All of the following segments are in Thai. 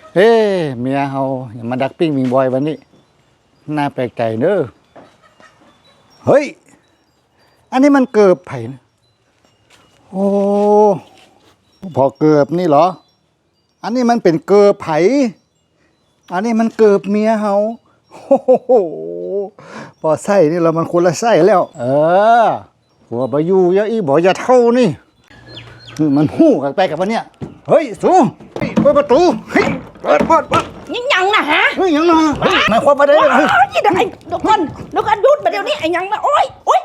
เฮ้เมียเฮาอย่ามาดักปิ้งมิงบอยวันนี้น่าแปลกใจเนอะเฮ้ยอันนี้มันเกือบไผ่นะโอ้พอเกือบนี่เหรออันนี้มันเป็นเกือบไผ่อันนี้มันเกือบเมียเฮาโอ้โหพอไส้นี่เรามันคนละไส้แล้วหัวบายูยะอีบอกอย่าเท่านี่มันหู้กันไปกับวันเนี้ยเฮ้ยสูเปิดประตูเฮ้ยเปิดยังนะฮะเฮ้ยยังนะหมายความว่าได้ยังไงยี่ดังไอ้เดี๋ยวก่อนหยุดมาเดี๋ยวนี้ไอ้ยังนะโอ้ย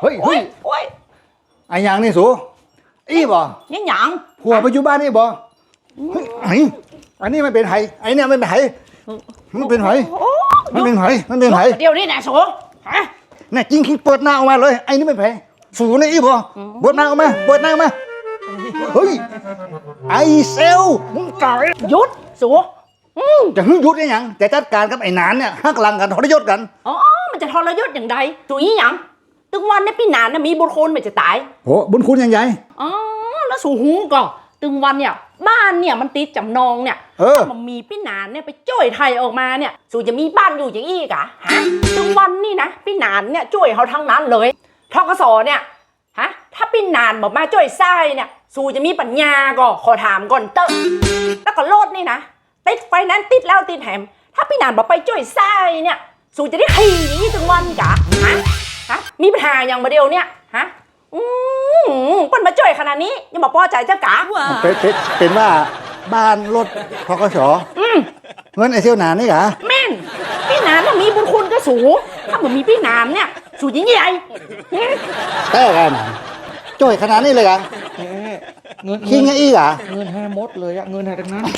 ไอ้ยังนี่สูอีบ่ยังผัวปัจจุบันนี่บ่อันนี้มันเป็นไห้ไอ้เนี่ยมันเป็นไห้มันเป็นไห้มันเป็นไห้มันเป็นไห้เดี๋ยวนี้นะสูฮะน่ะจริงคิดเปิดหน้าออกมาเลยไอ้นี่ไม่แพ้สูนี่อีบ่เปิดหน้าออกมาเปิดหน้าออกมาเฮ้ยไอ้เซลมึงก่อยหยุดสูจะหึ่งยุดได้ยังจะจัดการกับไอ้นานเนี่ยฮักหลังกันทรยศกันอ๋อมันจะทรยศอย่างใดสูยี่ยังตึงวันในพี่นานมีบุญคุณมันจะตายโหบุญคุณยังไงอ๋อแล้วสูหูก่อนตึงวันเนี่ยบ้านเนี่ยมันติดจำนองเนี่ยมันมีพี่นานเนี่ยไปจ่วยไทยออกมาเนี่ยสูจะมีบ้านอยู่อย่างอี้กะฮะตึงวันนี่นะพี่นานเนี่ยจ่วยเขาทั้งนั้นเลยทกสเนี่ยฮะถ้าพี่นานบอกมาจ่วยไส้เนี่ยสูจะมีปัญญาก็ขอถามก่อนเตอะแล้วก็โลดนี่นะติดไฟนั้นติดแล้วติดแถมถ้าพี่นานบอกไปจ่วยไส้เนี่ยสูจะได้ขี่ตึงวันกะฮะมีปัญหาอย่างมาเดียวเนี่ยฮะเปิ้นมาจ่วยขนาดนี้ยังบอกพอใจเจ้ากะเป็นว่าบ้านรถทกสเงินไอเซียวหนานนี่กะแม่นพี่นานน่ะมีบุญคุณก็สูงถ้าเหมือนมีพี่นานเนี่ยสูงยิ่งใหญ่แต่กันจ่อยขนาดนี้เลยกะเงินคิงไงอีกะเงินให้หมดเลยอะเงินให้ทั้งนั้น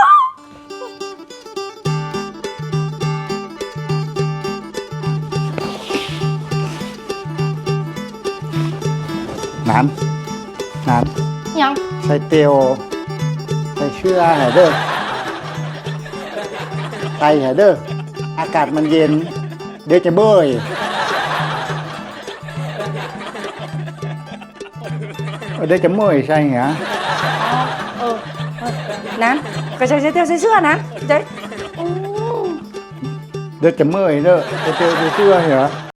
นานยังใส่เตียวใส่เชื่อแหเด้อไตแหเด้ออากาศมันเย็นเดี๋ยวจะเบื่อเดี๋ยวจะเมื่อยใช่เหรอนั้นก็ใส่เตียวใส่เสื้อนะเจ๊เดี๋ยวจะเมื่อยเด้อเตียวใส่เสื้อเหรอ